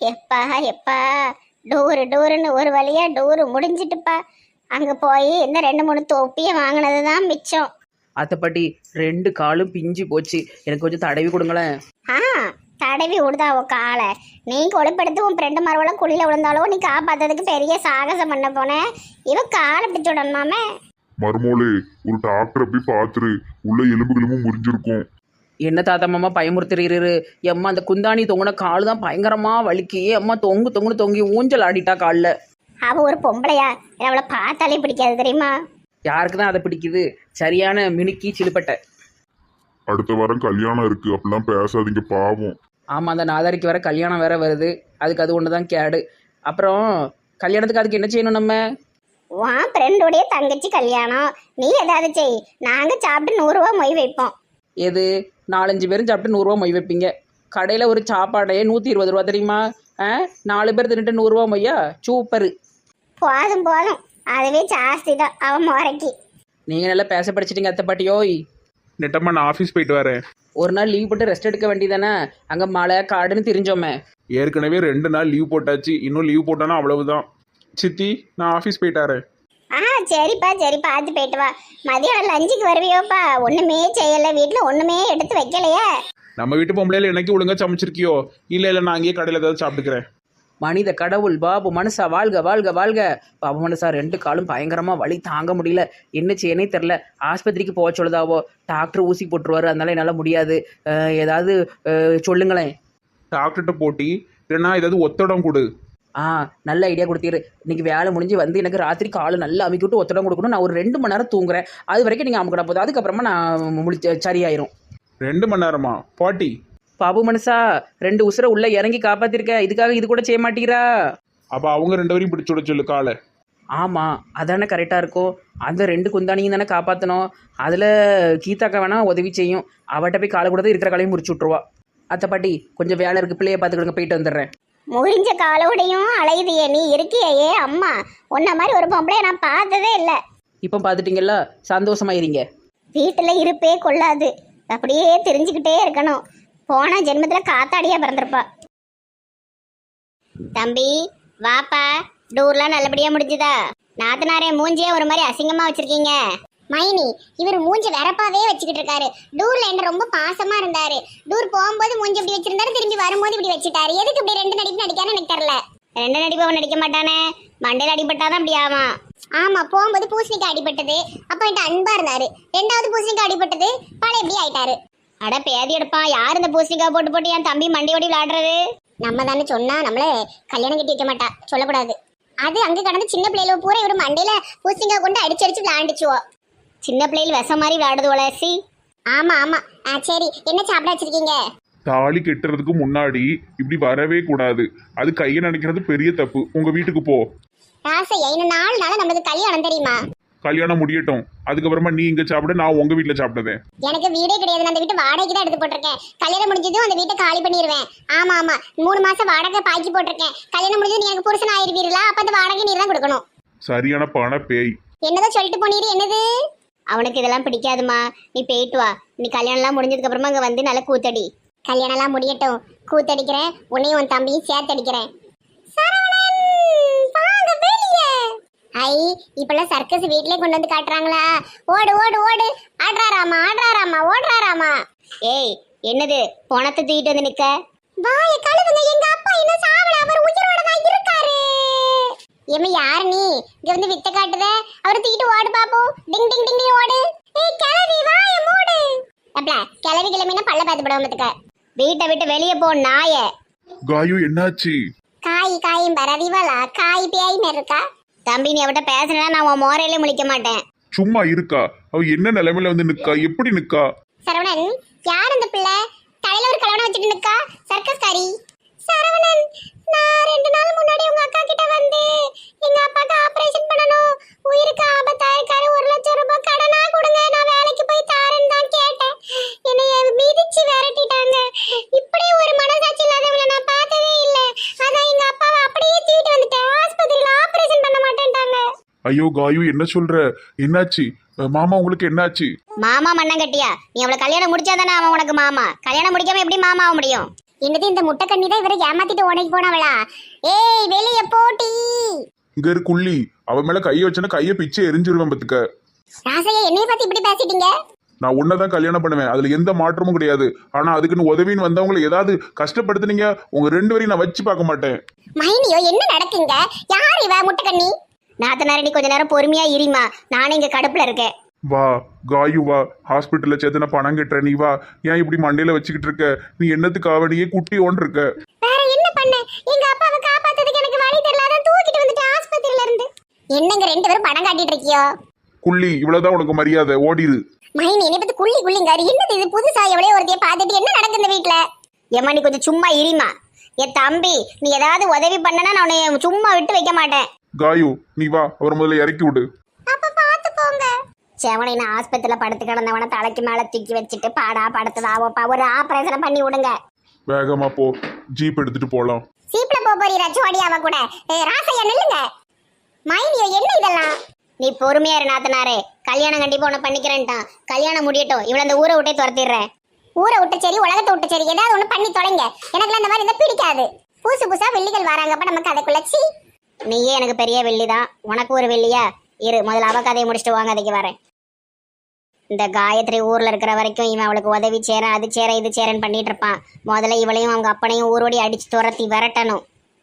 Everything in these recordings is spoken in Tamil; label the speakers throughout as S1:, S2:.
S1: எப்பா எப்பா டூருன்னு ஒரு வழியா டூரு முடிஞ்சிட்டுப்பா. அங்க போய் இந்த 2 3 தொப்பியை வாங்கினது தான் மிச்சம்.
S2: அத்தைப்பாட்டி 2 காலும் பிஞ்சு போச்சு, எனக்கு கொஞ்சம் தடவி கொடுங்களேன்.
S1: ஆ தடவி விடுதா உன் காலை. நீ கொழுப்பெடுத்து உன் ஃப்ரெண்டு மரவெல்லாம் குழியில விழுந்தாலும் நீ காப்பாத்ததுக்கு பெரிய சாகசம் பண்ண போன. இவ காலை பிடிச்சு விடணுமாமே.
S3: மருமோளே, ஒரு டாக்டரை போய் பார்த்துரு. உள்ள எலும்புகளும் முறிஞ்சிருக்கும்.
S2: என்ன தாத்தா மாமா பயமுறுத்துறீரு? எம்மா அந்த குந்தாணி தொங்குன கால் தான் பயங்கரமா வலிக்கு. அம்மா தொங்குன்னு தொங்கி ஊஞ்சல் ஆடிட்டா காலில்.
S1: அவ ஒரு பொம்பளையா? அவளை பார்த்தாலே பிடிக்காது தெரியுமா?
S2: யாருக்கு தான் அதை பிடிக்குது? சரியான மினுக்கி சிலுப்பட்டை.
S3: அடுத்த வாரம் கல்யாணம் இருக்கு, அப்படிலாம் பேசாதீங்க பாவம்.
S2: ஆமாம், அந்த நாதாரிக்கு வேற கல்யாணம் வேற வருது. அதுக்கு அது ஒன்று தான் கேடு. அப்புறம் கல்யாணத்துக்கு அதுக்கு என்ன செய்யணும் நம்ம?
S1: உன் ஃப்ரெண்டுடைய தங்கச்சி கல்யாணம், நீ ஏதாவது செய். நாங்க சாப்பிட்டு 100 ரூபா மொய் வைப்போம்.
S2: எது 4 5 பேரும் சாப்பிட்டு 100 ரூபா மொய் வைப்பீங்க? கடையில் ஒரு சாப்பாடையே 120 ரூபா தெரியுமா? 4 பேர் தின்னுட்டு 100 ரூபா மொய்யா? சூப்பரு.
S1: போதும் அதுவே ஜாஸ்தி தான் அவன் முறைக்கு.
S2: நீங்கள் நல்லா பேச படிச்சிட்டிங்க அத்தை பாட்டியோய்.
S4: நெட்டம்மா நான் ஆஃபீஸ் போயிட்டு வரேன்.
S2: ஒரு நாள் லீவ் போட்டு ரெஸ்ட் எடுக்க வேண்டியதானே? அங்கே மழை காடுன்னு தெரிஞ்சோமே.
S4: ஏற்கனவே 2 நாள் லீவ் போட்டாச்சு, இன்னும் லீவ் போட்டானா அவ்வளவுதான். சித்தி நான் ஆஃபீஸ் போயிட்டாரேன்.
S1: சரிப்பா பார்த்து போயிட்டு வா. மதியம் லஞ்சுக்கு வருவியோப்பா? ஒண்ணுமே செய்யல வீட்டில், ஒண்ணுமே எடுத்து வைக்கலையே.
S4: நம்ம வீட்டு பொம்பளையில எனக்கு ஒழுங்கா சமைச்சிருக்கியோ? இல்லை நான் அங்கேயே கடையில் ஏதாவது சாப்பிட்டுக்கிறேன்.
S2: மனித கடவுள் பாபு மனுஷா வாழ்க வாழ்க வாழ்க. பாபு மனுஷா 2 காலும் பயங்கரமாக வலி தாங்க முடியல. என்ன செய்யனே தெரில. ஆஸ்பத்திரிக்கு போக சொல்லுதாவோ. டாக்டர் ஊசி போட்டுருவாரு, அதனால என்னால் முடியாது. ஏதாவது சொல்லுங்களேன்.
S4: டாக்டர்கிட்ட போட்டி இல்லைன்னா ஏதாவது ஒத்தடம் கொடு.
S2: நல்ல ஐடியா கொடுத்தீரு. இன்னைக்கு வேலை முடிஞ்சு வந்து எனக்கு ராத்திரி காலை நல்லா அமுக்கி விட்டு ஒத்தடம் கொடுக்கணும். நான் ஒரு 2 மணி நேரம் தூங்குறேன். அது வரைக்கும் நீங்கள் அமுக்கிட போதும். அதுக்கப்புறமா நான் சரியாயிரும்.
S4: 2 மணி நேரமா பாட்டி?
S2: பாபு மனுஷா 2 உசுரை உள்ள இறங்கி காப்பாத்திருக்க, இதுக்காக இது கூட செய்ய மாட்டீரா?
S4: அப்போ அவங்க 2 பேரையும் பிடிச்சு விட சொல்லு காலை.
S2: ஆமாம், அதானே கரெக்டாக இருக்கும். அந்த 2 குந்தானியும் தானே காப்பாற்றணும். அதில் கீதாக்கா வேணா உதவி செய்யும். அவட்ட போய் காலை கூட தான் இருக்கிற காலையும் முறிச்சு விட்ருவா. அத்தை பாட்டி கொஞ்சம் வேலை இருக்குது, பிள்ளைய பார்த்துக்கிடுங்க, போயிட்டு வந்துடுறேன்.
S1: முறிஞ்ச காலோடையும் அலையுதியே நீ இருக்கியே அம்மா. உன்ன மாதிரி ஒரு பொம்பளைய நான் பார்த்ததே இல்லை.
S2: இப்போ பார்த்துட்டீங்களா? சந்தோஷமாயிருங்க.
S1: வீட்டில் இருப்பே கொள்ளாது, அப்படியே தெரிஞ்சுக்கிட்டே இருக்கணும். போன ஜென்மத்தில் காத்தாடியா பிறந்திருப்பா. தம்பி வாப்பா, டூர்லாம் நல்லபடியா முடிஞ்சுதா? நாத்தனாரே மூஞ்சியே ஒரு மாதிரி அசிங்கமா வச்சிருக்கீங்க. மைனி இவர் மூஞ்சி வரப்பாவே வச்சுக்கிட்டு இருக்காரு. டூர்ல என்ன ரொம்ப பாசமா இருந்தாரு. டூர் போகும்போது மூஞ்சி இப்படி வச்சிருந்தாரு, திரும்பி வரும்போது இப்படி வச்சுட்டாரு. எதுக்கு இப்படி 2 நடிப்பு நடிக்கான்னு எனக்கு தெரியல. 2 நடிப்பு அவன் நடிக்க மாட்டானே, மண்டையில அடிபட்டாதான் அப்படி ஆவான். ஆமா, போகும்போது பூசணிக்காய் அடிபட்டது, அப்ப என்கிட்ட அன்பா இருந்தாரு. 2வது பூசணிக்காய் அடிபட்டது, பழைய எப்படி ஆயிட்டாரு. அட பேதி எடுப்பா, யார் இந்த பூசணிக்காய் போட்டு போட்டு என் தம்பி மண்டையோடி விளையாடுறது? நம்ம தானே சொன்னா நம்மள கல்யாணம் கட்டி வைக்க மாட்டா, சொல்லக்கூடாது. அது அங்க கடந்து சின்ன பிள்ளைல பூரா இவர் மண்டையில பூசணிக்காய் கொண்டு அடிச்சு விளையாண்டுச்சுவோ. சின்ன பிள்ளைகள் விஷம் மாதிரி விளையாடுதுவோல. சி ஆமா சரி, என்ன சாப்பிட வச்சிருக்கீங்க?
S4: தாலி கெட்டுறதுக்கு முன்னாடி இப்படி வரவே கூடாது. அது கையை நினைக்கிறது பெரிய தப்பு. உங்க வீட்டுக்கு போ.
S1: ராசையா, இன்னும் 4 நாள் நம்மளுக்கு கல்யாணம் தெரியுமா?
S4: கல்யாணம் முடியட்டும், அதுக்கப்புறமா நீ இங்க சாப்பிட, நான் உங்க வீட்டுல சாப்பிடுவேன்.
S1: எனக்கு வீடே கிடையாது, நான் அந்த வீட்டு வாடகைக்கு தான் எடுத்து போட்டிருக்கேன். கல்யாணம் முடிஞ்சதும் அந்த வீட்டை காலி பண்ணிடுவேன். ஆமா 3 மாசம் வாடகை பாக்கி போட்டிருக்கேன். கல்யாணம் முடிஞ்சது நீ எனக்கு புருஷன் ஆயிருவீங்களா? அப்ப அந்த வாடகை நீர் தான் கொடுக்கணும்.
S4: சரியான பண பேய்.
S1: என்னதான் சொல்லிட்டு போனீரு? என்னது? அவனுக்கு இதெல்லாம் பிடிக்காதுமா, நீ போயிட்டு வா. நீ கல்யாணம்லாம் முடிஞ்சதுக்கு அப்புறமா அங்க வந்து நல்லா கூத்தடி. கல்யாணம்லாம் முடியட்டும், கூத்தடிக்கிறேன். உன்னையும் உன் தம்பியும் சேர்த்து அடிக்கிறேன். ஐ, இப்பெல்லாம் சர்க்கஸ் வீட்லயே கொண்டு வந்து காட்டுறாங்களா? ஓடு ஓடு ஓடு, ஆடுறாராமா ஓடுறாராமா. ஏய் என்னது பணத்தை தூக்கிட்டு வந்து நிக்க? வாய கழுவுங்க, எங்க அப்பா இன்னும் சாவல, அவர் உயிரோட தான் இருக்காரு. ஏமா யார் நீ இங்க வந்து வித்த காட்டுத? அவர் தூக்கிட்டு ஓடு பாப்போம். டிங் டிங் டிங் ஓடு. ஏய் கிளவி வாய மூடு. அப்பல கிளவி கிளம்பினா பல்ல பாத்து போடுவதுக்க. வீட்டை விட்டு வெளியே போ நாயே.
S4: காயு என்னாச்சு?
S1: காயும் பரதிவலா, காய் பேய் மாதிரி இருக்கா. தம்பி நீ அவட்ட பேசினா நான் உன் மோரையிலே முழிக்க மாட்டேன்.
S4: சும்மா இருக்கா? அவ என்ன நிலைமையில வந்து நிக்கா? எப்படி நிக்கா?
S1: சரவணன், யார் அந்த பிள்ளை? தலையில ஒரு கலவனை வச்சுட்டு நிக்கா, சர்க்கஸ்காரி. சரவணன், நான் 2 நாள் முன்னாடி உங்க அக்கா கிட்ட வந்து எங்க அப்பாக்கு ஆபரேஷன் பண்ணனும், உயிருக்கு ஆபத்தா இருக்காரு, 1 லட்சம் ரூபாய் கடனா கொடுங்க, நான் வேலைக்கு போய் தாரேன்னு தான் கேட்டேன். என்னைய மிதிச்சு விரட்டிட்டாங்க. இப்படி ஒரு மனசாட்சி இல்லாதவங்கள நான் பார்த்ததே இல்ல. அதான் எங்க அப்பாவை அப்படியே தூக்கிட்டு வந்துட்டேன். ஆஸ்பத்திரியில ஆபரேஷன் பண்ண மாட்டேன்ட்டாங்க.
S4: ஐயோ காயு என்ன சொல்ற? என்னாச்சு? மாமா உங்களுக்கு என்னாச்சு?
S1: மாமா மண்ணங்கட்டியா? நீ அவளை கல்யாணம் முடிச்சாதானே அவன் உனக்கு மாமா. கல்யாணம் முடிக்காம எப்படி மாமா ஆக முடியும்? என்னது இந்த முட்டை கண்ணி தான் இவரை ஏமாத்திட்டு உனக்கு போனவளா? ஏய் வெளிய போட்டி.
S4: இங்க இரு குள்ளி, அவன் மேல கையை வச்சனா கையை பிச்சை எரிஞ்சிருவேன் பத்துக்க.
S1: ராசையா என்னைய பத்தி இப்படி பேசிட்டீங்க?
S4: நான் உன்னதான் கல்யாணம் பண்ணுவேன், அதுல எந்த மாற்றமும் கிடையாது. ஆனா அதுக்குன்னு உதவின்னு வந்தவங்களை ஏதாவது கஷ்டப்படுத்துனீங்க, உங்க 2 பேரையும் நான் வச்சு பார்க்க மாட்டேன்.
S1: மைனியோ என்ன நடக்குங்க? யார் இவ முட்டை கண்ணி? நாத்தனாரடி கொஞ்ச நேரம் பொறுமையா இருமா, நானே இங்க கடுப்புல இருக்கேன்.
S4: வா காயு வா, ஹாஸ்பிட்டல்ல சேர்த்து நான் பணம் கட்டுறேன், நீ வா. ஏன் இப்படி மண்டையில வச்சுக்கிட்டு இருக்க? நீ என்னத்துக்காக நீயே குட்டி ஓன் இருக்க?
S1: வேற என்ன பண்ண? எங்க அப்பாவை காப்பாத்துறதுக்கு எனக்கு வழி தெரியல, அதான் தூக்கிட்டு வந்துட்டு ஆஸ்பத்திரியில இருந்து. என்னங்க 2 பேரும் பணம் காட்டிட்டு இருக்கியோ?
S4: குள்ளி, இவ்வளவுதான் உனக்கு மரியாதை, ஓடிரு.
S1: மைனி என்னை பத்தி குள்ளி குள்ளிங்காரு. என்னது இது புதுசா எவ்வளவு ஒருத்தைய பார்த்துட்டு என்ன நடக்குது இந்த வீட்டுல? ஏமா நீ கொஞ்சம் சும்மா இருமா. என் தம்பி நீ ஏதாவது உதவி பண்ணனா நான் உன்னை சும்மா விட்டு வைக்க மாட்டேன்.
S4: காயு நீ வா, அவர் முதல்ல இறக்கி விடு.
S1: அப்ப பாத்து போங்க. செவனை நான் ஆஸ்பத்திரியில படுத்து கிடந்தவன தலைக்கு மேல தூக்கி வச்சுட்டு பாடா படுத்ததாவோப்பா, ஒரு ஆபரேஷன் பண்ணி விடுங்க.
S4: வேகமா போ, ஜீப் எடுத்துட்டு போலாம்.
S1: சீப்ல போறீரா சோடியாவ கூட? ராசையா நில்லுங்க. மைனியோ என்ன இதெல்லாம்? நீ பொறுமையா இரு நாத்தனாரே, கல்யாணம் கண்டிப்பா உன்னை பண்ணிக்கிறேன்ட்டான். கல்யாணம் முடியட்டும், இவள அந்த ஊரை விட்டே துரத்திடுறேன். ஊரை விட்டு சரி, உலகத்தை விட்டு சரி, ஏதாவது ஒண்ணு பண்ணி தொலைங்க. எனக்குலாம் அந்த மாதிரி இருந்தா பிடிக்காது. புதுசு புதுசா வெள்ளிகள் வராங்கப்ப நமக்கு அதுக்குள்ள சீ. நீயே எனக்கு பெரிய வெள்ளிதான், உனக்கு ஒரு வெள்ளியா? இரு முதல்ல அவ கதையை முடிச்சுட்டு வாங்க, அதுக்கு வரேன். இந்த காயத்ரி ஊர்ல இருக்கிற வரைக்கும் இவன் அவளுக்கு உதவி சேரன், அது சேர இது சேரன்னு பண்ணிட்டு இருப்பான். முதல்ல இவளையும் அவங்க அப்பனையும் ஊரோடி அடிச்சு துரத்தி விரட்டணும்.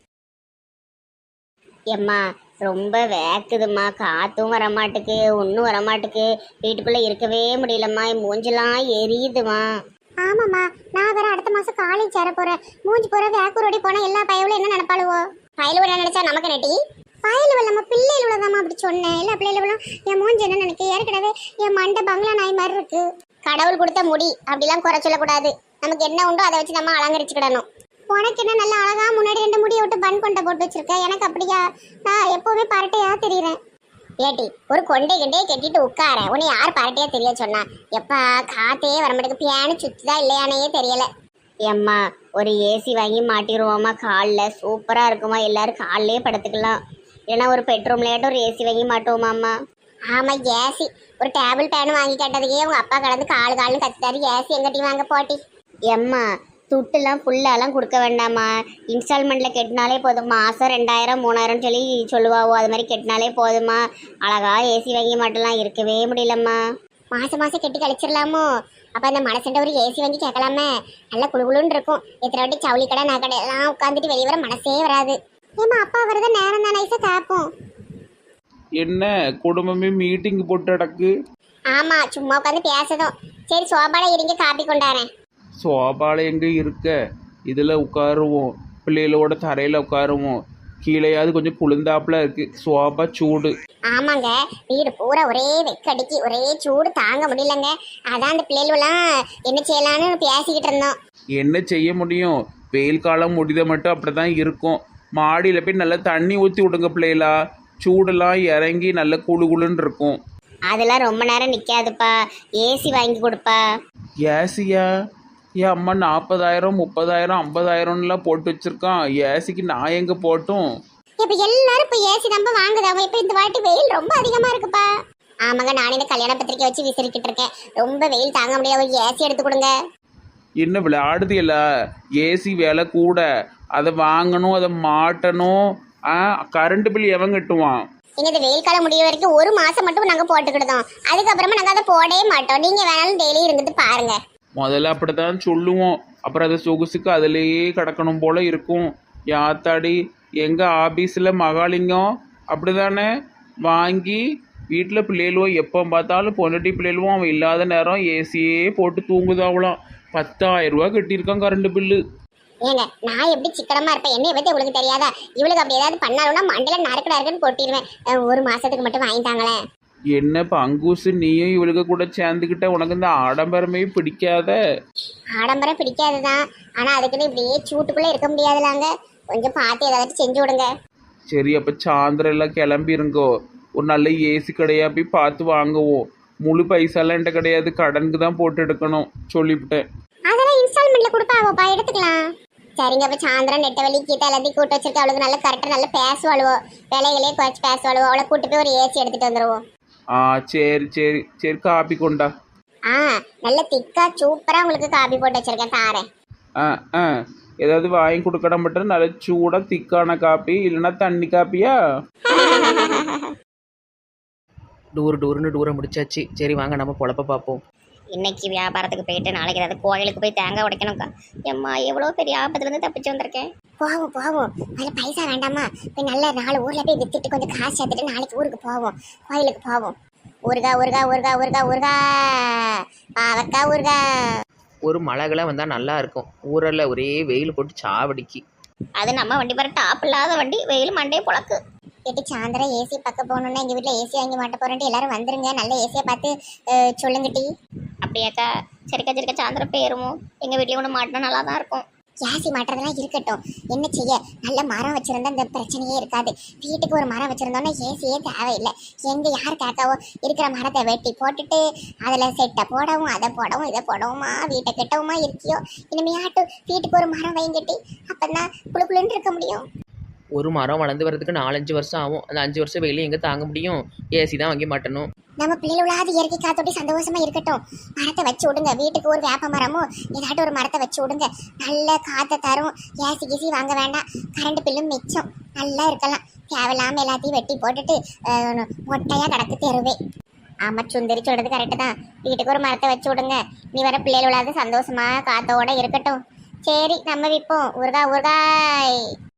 S1: எம்மா ரொம்ப வேக்குதுமா, காத்தும் வரமாட்டுக்கு, ஒன்றும் வரமாட்டுக்கு, வீட்டுக்குள்ள இருக்கவே முடியலம்மா, மூஞ்செல்லாம் எரியுதுமா. ஆமாம்மா, நான் வேற அடுத்த மாசம் காலேஜ் சேர போறேன். மூஞ்சி போற வேக்கூரோடி போனா எல்லா பயவுல என்ன நினைப்பாளுவோ? பயலுவ நினைச்சா நமக்கு நெட்டி. பயலுவ நம்ம பிள்ளைகள தான் அப்படி சொன்னேன். எல்லா பிள்ளைகளும் என் மூஞ்சி என்ன நினைக்க, ஏற்கனவே என் மண்டை பங்களா நாய் மாதிரி இருக்கு. கடவுள் கொடுத்த முடி அப்படிலாம் குறை சொல்லக்கூடாது. நமக்கு என்ன உண்டோ அதை வச்சு நம்ம அலங்கரிச்சுக்கிடணும். உனக்கு என்ன நல்லா அழகா முன்னாடி 2 முடியை விட்டு பன் கொண்டை போட்டு வச்சிருக்க, எனக்கு அப்படியா? நான் எப்பவுமே பரட்டையா தெரியுறேன். ஏட்டி ஒரு கொண்டை கிண்டையை கட்டிட்டு உட்கார, உன்னை யார் பரட்டையா தெரிய சொன்னா? எப்பா காத்தே வரமாட்டேக்கு, பியானு சுத்துதா இல்லையானே தெரியல. எம்மா ஒரு ஏசி வாங்கி மாட்டிடுவோமா காலில், சூப்பரா இருக்குமா, எல்லாரும் காலிலே படுத்துக்கலாம். இல்லைன்னா ஒரு பெட்ரூம்லேயாட்டும் ஒரு ஏசி வாங்கி மாட்டுவோமாம்மா. ஆமா ஏசி, ஒரு டேபிள் ஃபேன் வாங்கி கேட்டதுக்கே உங்க அப்பா கடந்து காலுன்னு கத்துட்டாரு. ஏசி எங்கிட்டையும் வாங்க போட்டி. எம்மா துட்டுலாம் ஃபுல்லாலாம் கொடுக்க வேண்டாமா, இன்ஸ்டால்மெண்ட்டில் கட்டினாலே போதும். மாதம் 2000 3000 சொல்லி சொல்லுவாவோ, அது மாதிரி கட்டினாலே போதுமா. அழகா ஏசி வாங்கி மாட்டலாம், இருக்கவே முடியலம்மா. மாதம் மாதம் கட்டி கழிச்சிடலாமோ? அப்போ அந்த மனசுன்ற ஒரு ஏசி வாங்கி கேட்கலாமே, நல்லா குழுகுலுன்னு இருக்கும். எத்தனை வாட்டி சவுளி கடை நகடை எல்லாம் உட்காந்துட்டு வெளியே வர மனசே வராது. ஏமா அப்பா வரத நேரம் தான் நைஸாக கேட்போம்.
S2: என்ன குடும்பமே மீட்டிங் போட்டு அடக்கு?
S1: ஆமாம் சும்மா உட்காந்து பேசதும். சரி சோபால இருங்க, காப்பி கொண்டாறேன்.
S2: சோபால எங்கே இருக்க? இதில் உட்காருவோம், பிள்ளைகளோட தரையில் உட்காருவோம். கீழேயாவது கொஞ்சம் குளிர்ந்தாப்புல இருக்கு, சோபா சூடு.
S1: ஆமாங்க, வீடு பூரா ஒரே வெக்கடிக்கு, ஒரே சூடு தாங்க முடியலங்க. அதான் அந்த பிள்ளைகளெல்லாம் என்ன செய்யலான்னு பேசிக்கிட்டு இருந்தோம்.
S2: என்ன செய்ய முடியும், வெயில் காலம் முடித மட்டும் அப்படி தான் இருக்கும். மாடியில் போய் நல்லா தண்ணி ஊற்றி விடுங்க பிள்ளைகளா, சூடெல்லாம் இறங்கி நல்ல குளு குளுன்னு இருக்கும்.
S1: அதெல்லாம் ரொம்ப நேரம் நிற்காதுப்பா, ஏசி வாங்கி கொடுப்பா.
S2: ஏசியா? ஏன் அம்மா 40,000 30,000 50,000லாம் போட்டு வச்சிருக்கான், ஏசிக்கு நான் எங்கே போட்டும்?
S1: இப்போ எல்லாரும் இப்போ ஏசி நம்ம வாங்குதாங்க. இப்போ இந்த வாட்டி வெயில் ரொம்ப அதிகமாக இருக்குப்பா. ஆமாங்க, நானே இந்த கல்யாண பத்திரிக்கை வச்சு விசிறிக்கிட்டு இருக்கேன். ரொம்ப வெயில் தாங்க முடியாது, ஒரு ஏசி எடுத்து கொடுங்க.
S2: என்ன விளையாடுது இல்ல, ஏசி விலை கூட, அதை வாங்கணும், அதை மாட்டணும். கரண்ட் பில் எவன் கட்டுவான்?
S1: எங்க இந்த வெயில் காலம் முடிய வரைக்கும் 1 மாசம் மட்டும் நாங்க போட்டுக்கிட்டோம், அதுக்கப்புறமா நாங்க அதை போடவே மாட்டோம். நீங்க வேணாலும் டெய்லி இருந்துட்டு பாருங்க.
S2: முதல்ல அப்படித்தான் சொல்லுவோம், அப்புறம் அதை சொகுசுக்கு அதிலேயே கிடக்கணும் போல இருக்கும். யாத்தாடி எங்கள் ஆஃபீஸில் மகாலிங்கம் அப்படிதானே வாங்கி வீட்டில் பிள்ளைகளும் எப்போ பார்த்தாலும் பொண்டாட்டி பிள்ளைகளும் அவன் இல்லாத நேரம் ஏசியே போட்டு தூங்குதாவலாம். 10,000 ரூபா கட்டியிருக்கான் கரண்ட் பில்லு.
S1: ஏங்க நான் எப்படி சிக்கனமா இருப்பேன், என்னைய பத்தி உங்களுக்கு தெரியாதா? இவளுக்கு அப்படி ஏதாவது பண்ணாலும்னா மண்டல நறுக்குன்னு கொட்டிடுவேன். 1 மாசத்துக்கு மட்டும் வாங்கிட்டாங்களேன்.
S2: என்ன பங்கூசு, நீயும் இவளுக்கு கூட சேர்ந்துக்கிட்ட, உனக்கு இந்த ஆடம்பரமே பிடிக்காத?
S1: ஆடம்பரம் பிடிக்காதுதான், ஆனா அதுக்குன்னு இப்படியே சூட்டுக்குள்ள இருக்க முடியாதுலாங்க. கொஞ்சம் பார்த்து ஏதாவது செஞ்சு விடுங்க.
S2: சரி, அப்போ சாயந்தரம் எல்லாம் கிளம்பிருங்கோ, ஒரு நல்ல ஏசி கடையா போய் பார்த்து வாங்குவோம். முழு பைசாலாம் என்கிட்ட கிடையாது, கடனுக்கு தான் போட்டு எடுக்கணும் சொல்லிவிட்டேன்.
S1: அதெல்லாம் இன்ஸ்டால்மெண்ட்ல கொடுப்பாவோப்பா, எடுத்துக்கலாம். சரிங்க, அப்ப சாயந்தரம் நெட்ட வலி கீத்த எல்லாத்தையும் கூட்டு வச்சிருக்க, அவளுக்கு நல்ல கரெக்டாக நல்லா பேசுவாளுவோ, விலைகளே குறைச்சி பேசுவாளுவோ. அவளை கூட்டு போய் ஒரு ஏசி எடுத்துட்டு வந்துடுவோம்.
S2: சரி சரி சரி, காப்பி கொண்டா.
S1: நல்ல திக்கா சூப்பரா உங்களுக்கு காபி போட்டு வச்சிருக்கேன், தாரேன்.
S2: ஏதாவது வாங்கி கொடுக்கட மட்டும் நல்ல சூடாக திக்கான காப்பி இல்லைன்னா தண்ணி காப்பியா? டூர்னு டூரை முடிச்சாச்சு. சரி வாங்க நம்ம பொழப்ப பார்ப்போம்.
S1: இன்னைக்கு வியாபாரத்துக்கு போயிட்டு நாளைக்கு ஏதாவது கோயிலுக்கு போய் தேங்காய் உடைக்கணும்க்கா. எம்மா எவ்வளோ பெரிய ஆபத்துலேருந்து தப்பிச்சு வந்திருக்கேன். போவோம் அதில் பைசா வேண்டாமா? போய் நல்ல 4 ஊரில் போய் வித்துட்டு கொஞ்சம் காசு சேர்த்துட்டு நாளைக்கு ஊருக்கு போவோம், கோயிலுக்கு போவோம். ஊருகா பாவக்கா ஊருகா.
S2: ஒரு மழைகளாக வந்தால் நல்லா இருக்கும். ஊரில் ஒரே வெயில் போட்டு சாவடிக்கு.
S1: அது நம்ம வண்டி பாரு, டாப் இல்லாத வண்டி, வெயில் மண்டையை புழக்கு. கேட்டு சாயந்தரம் ஏசி பக்கம் போகணுன்னா எங்கள் வீட்டில் ஏசி வாங்கி மாட்ட போகிறேன்ட்டு எல்லாரும் வந்துருங்க. நல்ல ஏசியை பார்த்து சொல்லுங்கட்டி. அப்படியாக்கா? சரிக்கா சாயந்தரம் போயிருவோம். எங்கள் வீட்லேயும் ஒன்று மாட்டினா நல்லா தான் இருக்கும். ஏசி மாட்டுறதெல்லாம் இருக்கட்டும், என்ன செய்ய, நல்ல மரம் வச்சுருந்தா இந்த பிரச்சனையே இருக்காது. வீட்டுக்கு ஒரு மரம் வச்சுருந்தோன்னா ஏசியே தேவையில்லை. எங்கே யார் கேட்காவோ இருக்கிற மரத்தை வெட்டி போட்டுட்டு அதில் செட்டை போடவும் அதை போடவும் இதை போடவுமா வீட்டை கெட்டவுமா இருக்கியோ. இனிமையாட்டும் வீட்டுக்கு ஒரு மரம் வைங்கட்டி, அப்போ தான் குழுக்குழுன்னு இருக்க முடியும்.
S2: ஒரு மரம் வளர்ந்து வரதுக்கு 4-5 வருஷம் ஆகும். அந்த 5 வருஷம் வெயிலும் எங்கே தாங்க முடியும்? ஏசி தான் வாங்கி மாட்டணும்.
S1: நம்ம பிள்ளைகளாவது இயற்கை காத்தோட்டி சந்தோஷமா இருக்கட்டும். மரத்தை வச்சு விடுங்க, வீட்டுக்கு ஒரு வேப்ப மரமும் ஏதாட்டும் ஒரு மரத்தை வச்சு விடுங்க. நல்ல காற்றை தரும். ஏசி கீசி வாங்க வேண்டாம், கரண்ட் பில்லும் மிச்சம், நல்லா இருக்கலாம். தேவையில்லாமல் எல்லாத்தையும் வெட்டி போட்டுட்டு மொட்டையாக கிடக்கு தெருவே. ஆமாம், சுந்தரி சொல்கிறது கரெக்டு தான். வீட்டுக்கு ஒரு மரத்தை வச்சு விடுங்க. நீ வர பிள்ளைகளாவது சந்தோஷமா காத்தோட இருக்கட்டும். சரி நம்ம விற்போம். ஊறுகாய்